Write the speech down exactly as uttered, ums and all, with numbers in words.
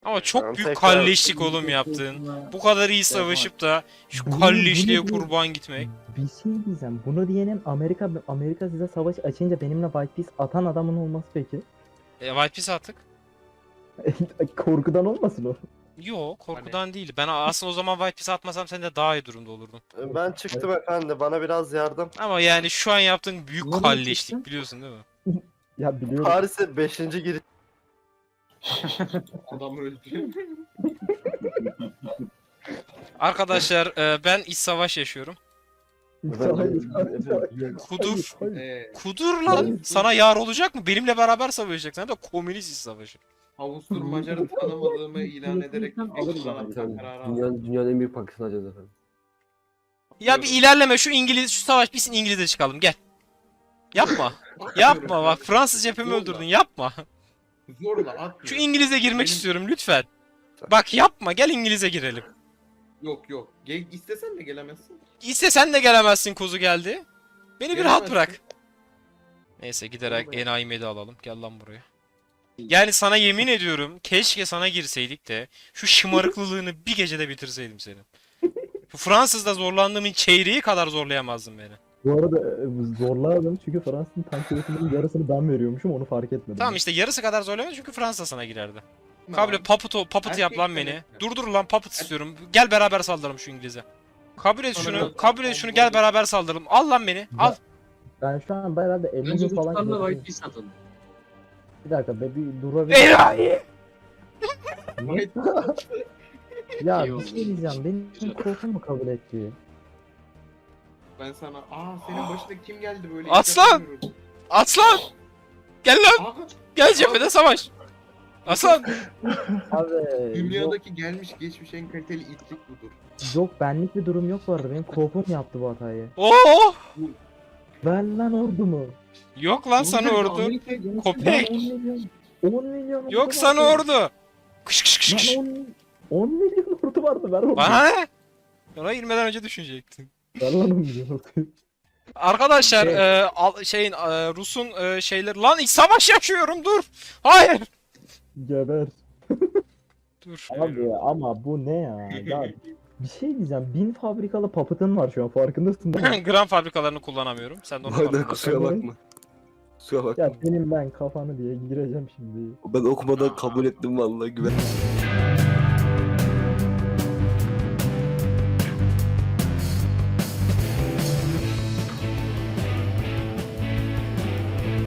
Ama çok Tamam, büyük tekrar- kalleşlik oğlum yaptığın. Bu kadar iyi savaşıp da şu Bunu- kalleşliğe bunu diye- kurban gitmek. Bir şey diyeceğim. Bunu diyenin Amerika Amerika size savaş açınca benimle White Piece atan adamın olması peki? E, White Piece attık. Korkudan olmasın o. Yo, korkudan değil. Ben aslında o zaman White Piece atmasam sen de daha iyi durumda olurdun. Ben çıktım efendi. Bana biraz yardım. Ama yani şu an yaptığın büyük Nereye kalleşlik çıktın? biliyorsun değil mi? Ya biliyorum. Paris'e beşinci giriş. Adam öldü. Arkadaşlar e, ben iç savaş yaşıyorum. Hayır, hayır, hayır. Kudur. Hayır, hayır. Eee Kudur lan. Sana yar olacak mı? Benimle beraber savaşacaksın. Hem de komünist iç savaşı. Avusturmaca'nı tanımadığımı ilan ederek ekran atma kararı aldım. Dünyanın, dünyanın en büyük Pakistan alacağız efendim. Ya bir ilerleme şu İngiliz şu savaş bitsin İngiliz'e çıkalım gel. Yapma. Yapma bak Fransız cephemi öldürdün yapma. Zorla atmıyor. Şu İngiliz'e girmek Benim- istiyorum lütfen. Bak yapma gel İngiliz'e girelim. Yok yok. Gel, istesen de gelemezsin. İstesen de gelemezsin kozu geldi. Beni bir rahat Gelemezsin. bırak. Neyse giderek Vallahi. enayimi de alalım. Gel lan buraya. Yani sana yemin ediyorum keşke sana girseydik de şu şımarıklılığını bir gecede bitirseydim senin. Bu Fransız'da zorlandığımın çeyreği kadar zorlayamazdın beni. Bu arada e, zorlardım çünkü Fransa'nın tank üretiminin yarısını ben veriyormuşum onu fark etmedim. Tamam işte yarısı kadar zorlayamadım çünkü Fransa sana girerdi. Tamam. Kabul et papıt, o- papıt yap lan Erkek beni. demek. Durdur lan papıt istiyorum. Gel beraber saldıralım şu İngiliz'e. Kabul et Sana şunu, biraz- kabul et şunu gel beraber saldıralım. Al lan beni, al. Ben şu an herhalde elli Önce gün falan Ruslarla gidiyorum. White Piece atalım. Bir dakika be bir durabilir. Enayi! Ya İyi bir oldu. şey diyeceğim. Benim korkum mu kabul etti? Ben sana aa senin başına kim geldi böyle? Aslan! İlk defa görüyorum. Aslan! Gel lan, Aa, gel cephede savaş. Aslan! Abi yok, dünyadaki gelmiş geçmiş en kaliteli itlik budur. yok benlik bir durum yok bu arada. Benim korkum yaptı bu hatayı. Oo! Ver lan ordumu. Yok lan sana Bunlar ordu. Amerika'ya gelmiş- Köpek. Lan on milyon. on milyon ordu Yok sana vardı. ordu. Kış kış kış kış. Lan on, on milyon ordu vardı ver ordu. Bana ne? Ona girmeden önce düşünecektin. Ver lan on milyon ordu. Arkadaşlar Evet. e, al- şeyin e, Rus'un e, şeyleri lan iç savaş yaşıyorum dur. Hayır. Geber. Dur. Abi ama bu ne ya? Ya bir şey diyeceğim. Bin fabrikalı papıtın var şu an farkındasın değil mi? Gram fabrikalarını kullanamıyorum. Sen de onu Aynen kullan. kusura bakma. Kusura bakma. Ya senin ben kafanı diye gireceğim şimdi. Ben okumadan kabul ettim vallahi güven.